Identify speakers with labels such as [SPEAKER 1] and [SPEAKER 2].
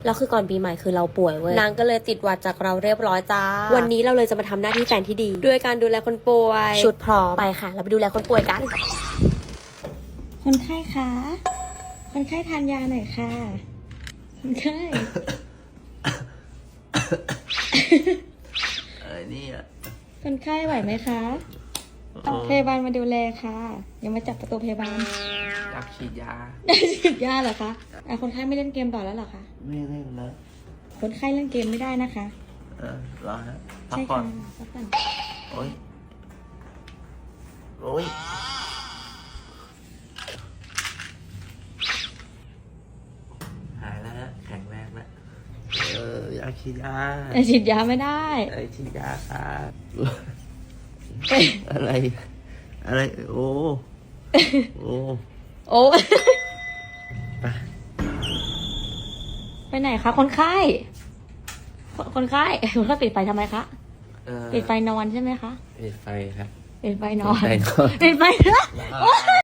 [SPEAKER 1] แล้วคือก่อนปีใหม่คือเราป่วยเว้ยนางก็เลยติดหวัดจากเราเรียบร้อยจ้าวันนี้เราเลยจะมาทำหน้าที่แฟนที่ดีด้วยการดูแลคนป่วยชุดพร้อมไปค่ะเราไปดูแลคนป่วยกัน
[SPEAKER 2] คนไข้คะคนไข้ทานยาหน่อยค่ะคนไข้
[SPEAKER 3] นี่อ่ะ
[SPEAKER 2] คนไข้ไหวไหมคะพยาบาลมาดูแลค่ะอย่ามาจับประตูพยาบาล
[SPEAKER 3] อยากฉีดยา
[SPEAKER 2] ได้ฉีดยาเหรอคะคนไข้ไม่เล่นเกมต่อแล้วเหรอคะ
[SPEAKER 3] ไม่เล่นแล้ว
[SPEAKER 2] คนไข้เล่นเกมไม่ได้นะคะ
[SPEAKER 3] รอฮะพัก
[SPEAKER 2] ใช่
[SPEAKER 3] ก่อ
[SPEAKER 2] ค่ะ
[SPEAKER 3] น
[SPEAKER 2] พักก่อน
[SPEAKER 3] โอ้ยโอ้ยหายแล้วฮะแข็งแรงแล้วอยากฉีดยา
[SPEAKER 2] ฉีดยาไม่ได้
[SPEAKER 3] ฉีดยาครับอะไร โอ้โอ้
[SPEAKER 2] โอ้
[SPEAKER 3] ไป
[SPEAKER 2] ไปไหนคะคนไข้คนไข้คุณก็ปิดไฟทำไมคะปิดไฟนอนใช่ไหมคะ
[SPEAKER 3] ปิดไฟครับ
[SPEAKER 2] ปิดไฟนอน
[SPEAKER 3] ปิดไฟนอน
[SPEAKER 2] ปิดไฟ